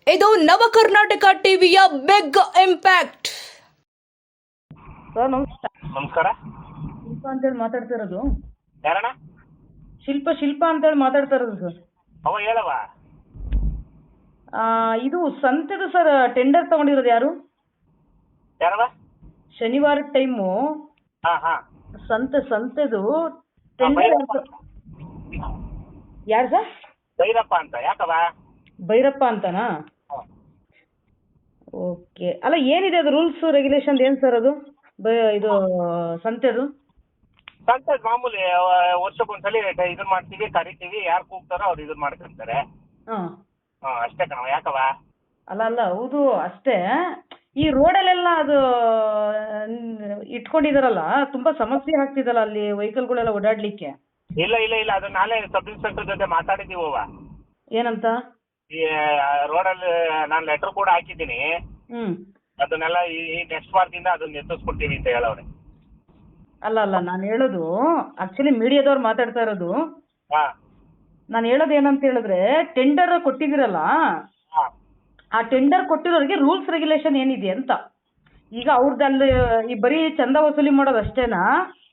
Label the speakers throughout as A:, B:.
A: ಇದು ನವ ಕರ್ನಾಟಕ ಟಿವಿಯ ಬಿಗ್ ಇಂಪ್ಯಾಕ್ಟ್.
B: ಸರ್ ನಮಸ್ಕಾರ.
C: ನಮಸ್ಕಾರ.
B: ಶಿಲ್ಪ ಅಂತೇಳಿ ಮಾತಾಡ್ತಾ ಇರೋದು.
C: ಯಾರಣ್ಣ?
B: ಶಿಲ್ಪ ಅಂತೇಳಿ ಮಾತಾಡ್ತಾ ಇರೋದು ಸರ್.
C: ಅವ ಹೇಳವ.
B: ಇದು ಸಂತೆದು ಸರ್, ಟೆಂಡರ್ ತಗೊಂಡಿರೋದು ಯಾರು?
C: ಯಾರವ?
B: ಶನಿವಾರ ಟೈಮು
C: ಹಾ ಹಾ
B: ಸಂತೆದು ಟೆಂಡರ್ ಯಾರು ಸರ್?
C: ಭೈರಪ್ಪ ಅಂತ. ಯಾಕವ?
B: ಭೈರಪ್ಪ ಅಂತನಾ? ಓಕೆ. ಅಲ್ಲ, ಏನಿದೆ ಅದು ರೂಲ್ಸ್ ರೆಗ್ಯುಲೇಷನ್ ಏನು ಸರ್ ಅದು? ಇದು ಸಂತೆದು
C: ಮಾಮೂಲಿ ವರ್ಷಕ್ಕೊಂದ್ಸಲಿ ಇದನ್ನ ಮಾಡ್ತೀವಿ, ಕರಿತೀವಿ, ಯಾರು ಕೂಗ್ತಾರೋ ಅವ್ರು ಇದನ್ನ ಮಾಡ್ಕೊಂತಾರೆ.
B: ಹಾಂ
C: ಅಷ್ಟೇ ಕಣವ. ಯಾಕವ?
B: ಅಲ್ಲ ಹೌದು ಅಷ್ಟೇ. ಈ ರೋಡಲ್ಲೆಲ್ಲ ಅದು ಇಟ್ಕೊಂಡಿದಾರಲ್ಲ, ತುಂಬಾ ಸಮಸ್ಯೆ ಆಗ್ತಿದಲ್ಲ ಅಲ್ಲಿ ವೆಹಿಕಲ್ಗಳೆಲ್ಲ ಓಡಾಡ್ಲಿಕ್ಕೆ.
C: ಇಲ್ಲ ಇಲ್ಲ ಇಲ್ಲ, ಅದು ನಾಳೆ ಸಬ್ ಇನ್ಸ್ಪೆಕ್ಟರ್ ಜೊತೆ ಮಾತಾಡಿದ್ದೀವವ.
B: ಏನಂತ?
C: ಈ ರೋಡಲ್ಲಿ ನಾನು ಲೆಟರ್ ಕೂಡ ಹಾಕಿದ್ದೀನಿ. ಅದನ್ನೆಲ್ಲ ಈ ನೆಕ್ಸ್ಟ್ ವಾರದಿಂದ ಅದನ್ನ ಎತ್ತಿಸ್ಕೊಡ್ತೀವಿ ಅಂತ ಹೇಳವ್ರೆ.
B: ಅಲ್ಲ ನಾನು ಹೇಳೋದು ಆಕ್ಚುಲಿ ಮೀಡಿಯಾದವ್ರು ಮಾತಾಡ್ತಾ ಇರೋದು.
C: ಹಾ
B: ನಾನು ಹೇಳೋದು ಏನಂತ ಹೇಳಿದ್ರೆ, ಟೆಂಡರ್ ಕೊಟ್ಟಿದ್ದೀರಲ್ಲ, ಆ ಟೆಂಡರ್ ಕೊಟ್ಟಿರೋರಿಗೆ ರೂಲ್ಸ್ ರೆಗ್ಯುಲೇಷನ್ ಏನಿದೆ ಅಂತ. ಈಗ ಅವ್ರದ್ದು ಈ ಬರೀ ಚಂದ ವಸೂಲಿ ಮಾಡೋದು ಅಷ್ಟೇನಾ,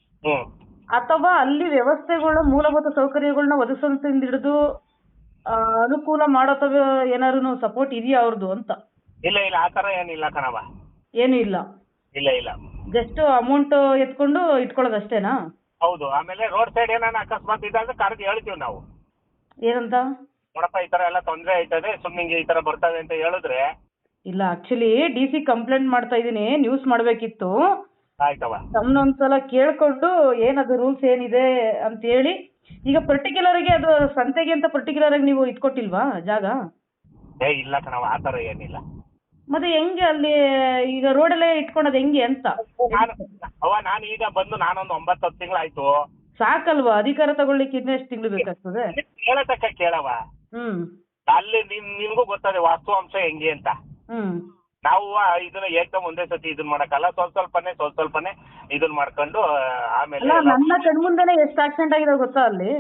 B: ಅಥವಾ ಅಲ್ಲಿ ವ್ಯವಸ್ಥೆಗಳ ಮೂಲಭೂತ ಸೌಕರ್ಯಗಳನ್ನ ಒದಗಿಸೋದ್ರಿಂದ ಹಿಡಿದು ಅನುಕೂಲ ಮಾಡೋತವ ಏನಾದ್ರು ಸಪೋರ್ಟ್ ಇದೆಯಾ ಅವ್ರದ್ದು ಅಂತ?
C: ಇಲ್ಲ ಇಲ್ಲ, ಆ ಥರ ಏನಿಲ್ಲ ಕಣವ.
B: ಏನು ಇಲ್ಲ.
C: ಇಲ್ಲ ಇಲ್ಲ,
B: ಜಸ್ಟ್ ಅಮೌಂಟ್ ಎತ್ಕೊಂಡು ಇಟ್ಕೊಳ್ಳೋದು ಅಷ್ಟೇನಾ?
C: ಹೌದು. ಆಮೇಲೆ ರೋಡ್ ಸೈಡ್ ಏನಾನ ಅಕಸ್ಮಾತ್ ಇದ್ದಾಗ ಕರೆದು ಹೇಳ್ತೀವಿ ನಾವು.
B: ಏನಂತ?
C: ನೋಡಪ್ಪ, ಈ ತರ ಎಲ್ಲ ತೊಂದರೆ ಆಯ್ತದೆ, ಸುಮ್ಮನೆ ಈ ತರ ಬರ್ತವೆ ಅಂತ ಹೇಳಿದ್ರೆ.
B: ಇಲ್ಲ, ಆಕ್ಚುಲಿ DC ಕಂಪ್ಲೇಂಟ್ ಮಾಡ್ತಾ ಇದ್ದೀನಿ, ನ್ಯೂಸ್ ಮಾಡಬೇಕಿತ್ತು.
C: ಆಯ್ತವ.
B: ತಮ್ಮನ್ನೊಂದ್ಸಲ ಕೇಳ್ಕೊಂಡು ಏನದು ರೂಲ್ಸ್ ಏನಿದೆ ಅಂತ ಹೇಳಿ. ಈಗ ಪರ್ಟಿಕ್ಯುಲರ್ ಆಗಿ ಅದು ಸಂತೆಗೆ ಅಂತ ಪರ್ಟಿಕ್ಯುಲರ್ ಆಗಿ ನೀವು ಇಟ್ಕೊಟ್ಟಿಲ್ವಾ ಜಾಗ?
C: ಇಲ್ಲ ಕಣವ, ಆ ತರ ಏನಿಲ್ಲ.
B: ಮತ್ತೆ ಹೆಂಗೆ ಅಲ್ಲಿ ಈಗ ರೋಡಲ್ಲೇ ಇಟ್ಕೊಳೋದು ಹೆಂಗೆ ಅಂತ?
C: ನಾನು ಈಗ ಬಂದು ನಾನೊಂದು 9-10 ತಿಂಗಳಾಯ್ತು.
B: ಸಾಕಲ್ವಾ? ಅಧಿಕಾರ ತಗೊಳ್ಳಿಕ್ಕೆ ಇನ್ನೆಷ್ಟು ತಿಂಗಳು ಬೇಕಾಗ್ತದೆ?
C: ಕೇಳತಕ್ಕ ಕೇಳವ. ಅಲ್ಲಿ ನಿಮ್ಗೂ ಗೊತ್ತದೆ ವಾಸ್ತವಾಂಶ ಹೆಂಗೆ ಅಂತ. ನಾವು ಇದನ್ನ ಏಕದಮ್ ಒಂದೇ ಸತಿ ಇದನ್ನ ಮಾಡಕ್ಕಲ್ಲ, ಸ್ವಲ್ಪನೇ ಇದನ್ನ ಮಾಡ್ಕೊಂಡು ಆಮೇಲೆ.
B: ನನ್ನ ಕಣ್ಮುಂದೆನೆ ಎಷ್ಟು ಆಕ್ಸಿಡೆಂಟ್ ಆಗಿದೆ ಗೊತ್ತಾ ಅಲ್ಲಿ?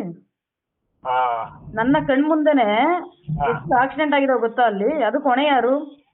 B: ನನ್ನ ಕಣ್ಮುಂದೆನೆ ಎಷ್ಟು ಆಕ್ಸಿಡೆಂಟ್ ಆಗಿದೆ ಗೊತ್ತಾ ಅಲ್ಲಿ? ಅದಕ್ಕೆ ಹೊಣೆ ಯಾರು?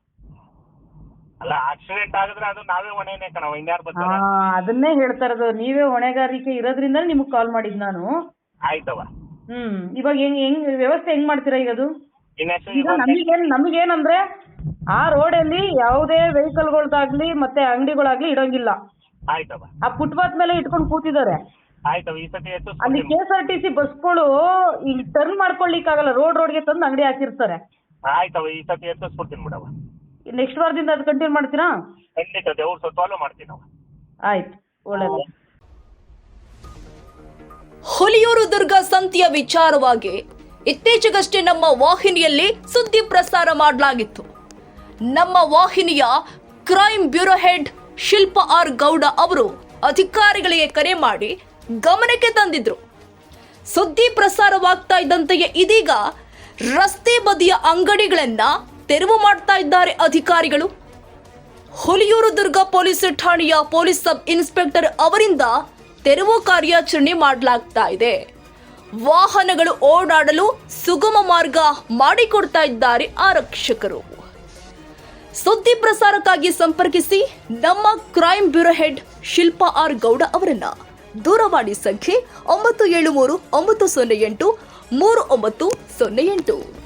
C: ಅಲ್ಲ, ಆಕ್ಸಿಡೆಂಟ್ ಆಗಿದ್ರೆ ಅದು ನಾವೇ ಹೊಣೆನೇ ಕಣವ, ಇನ್ಯಾರು ಬರ್ತಾರೆ?
B: ಅದನ್ನೇ ಹೇಳ್ತಾ ಇರೋದು, ನೀವೇ ಹೊಣೆಗಾರಿಕೆ ಇರೋದ್ರಿಂದ ನಿಮ್ಗೆ ಕಾಲ್ ಮಾಡಿದ್ ನಾನು.
C: ಆಯ್ತವ.
B: ಇವಾಗ ಹೆಂಗ್ ವ್ಯವಸ್ಥೆ ಹೆಂಗ್ ಮಾಡ್ತೀರಾ ಈಗ ಅದು? ಈಗ ನಮಗೇನಂದ್ರೆ, ಆ ರೋಡಲ್ಲಿ ಯಾವುದೇ ವೆಹಿಕಲ್ಗಳಾಗ್ಲಿ ಮತ್ತೆ ಅಂಗಡಿಗಳಾಗ್ಲಿ ಇಡೋಂಗಿಲ್ಲ.
C: ಆಯ್ತವ.
B: ಆ ಫುಟ್ಪಾತ್ ಮೇಲೆ ಇಟ್ಕೊಂಡು ಕೂತಿದ್ದಾರೆ.
C: ಆಯ್ತವ. ಈ ಸತಿ
B: ಅಲ್ಲಿ KSRTC ಬಸ್ಗಳು ಈಗ ಟರ್ನ್ ಮಾಡ್ಕೊಳ್ಳಿಕ್ಕಾಗಲ್ಲ, ರೋಡ್ಗೆ ತಂದು ಅಂಗಡಿ ಹಾಕಿರ್ತಾರೆ.
C: ಆಯ್ತವ. ಈ ಸತಿ ಎತ್ತಿಸ್ಬಿಡ್ತೀನಿ ಬಿಡವ.
B: ನೆಕ್ಸ್ಟ್ ವಾರದಿಂದ ಅದು ಕಂಟಿನ್ಯೂ ಮಾಡ್ತೀರಾ?
C: ಖಂಡಿತ, ದೇವ್ರ ಸತ್ವಾಲು ಮಾಡ್ತೀನಿ ನಾವು.
B: ಆಯ್ತು, ಒಳ್ಳೆಯದು.
A: ಹುಲಿಯೂರು ದುರ್ಗ ಸಂತೆಯ ವಿಚಾರವಾಗಿ ಇತ್ತೀಚೆಗಷ್ಟೇ ನಮ್ಮ ವಾಹಿನಿಯಲ್ಲಿ ಸುದ್ದಿ ಪ್ರಸಾರ ಮಾಡಲಾಗಿತ್ತು. ನಮ್ಮ ವಾಹಿನಿಯ crime bureau head Shilpa R Gowda ಅವರು ಅಧಿಕಾರಿಗಳಿಗೆ ಕರೆ ಮಾಡಿ ಗಮನಕ್ಕೆ ತಂದಿದ್ರು. ಸುದ್ದಿ ಪ್ರಸಾರವಾಗ್ತಾ ಇದ್ದಂತೆಯೇ ಇದೀಗ ರಸ್ತೆ ಬದಿಯ ಅಂಗಡಿಗಳನ್ನ ತೆರವು ಮಾಡ್ತಾ ಇದ್ದಾರೆ ಅಧಿಕಾರಿಗಳು. ಹುಲಿಯೂರು ದುರ್ಗ ಪೊಲೀಸ್ ಠಾಣೆಯ ಪೊಲೀಸ್ ಸಬ್ ಇನ್ಸ್ಪೆಕ್ಟರ್ ಅವರಿಂದ ತೆರವು ಕಾರ್ಯಾಚರಣೆ ಮಾಡಲಾಗ್ತಾ ಇದೆ. ವಾಹನಗಳು ಓಡಾಡಲು ಸುಗಮ ಮಾರ್ಗ ಮಾಡಿಕೊಡ್ತಾ ಇದ್ದಾರೆ ಆರಕ್ಷಕರು. ಸುದ್ದಿ ಪ್ರಸಾರಕ್ಕಾಗಿ ಸಂಪರ್ಕಿಸಿ ನಮ್ಮ crime bureau head Shilpa R Gowda ಅವರನ್ನ. ದೂರವಾಣಿ ಸಂಖ್ಯೆ 9739083908.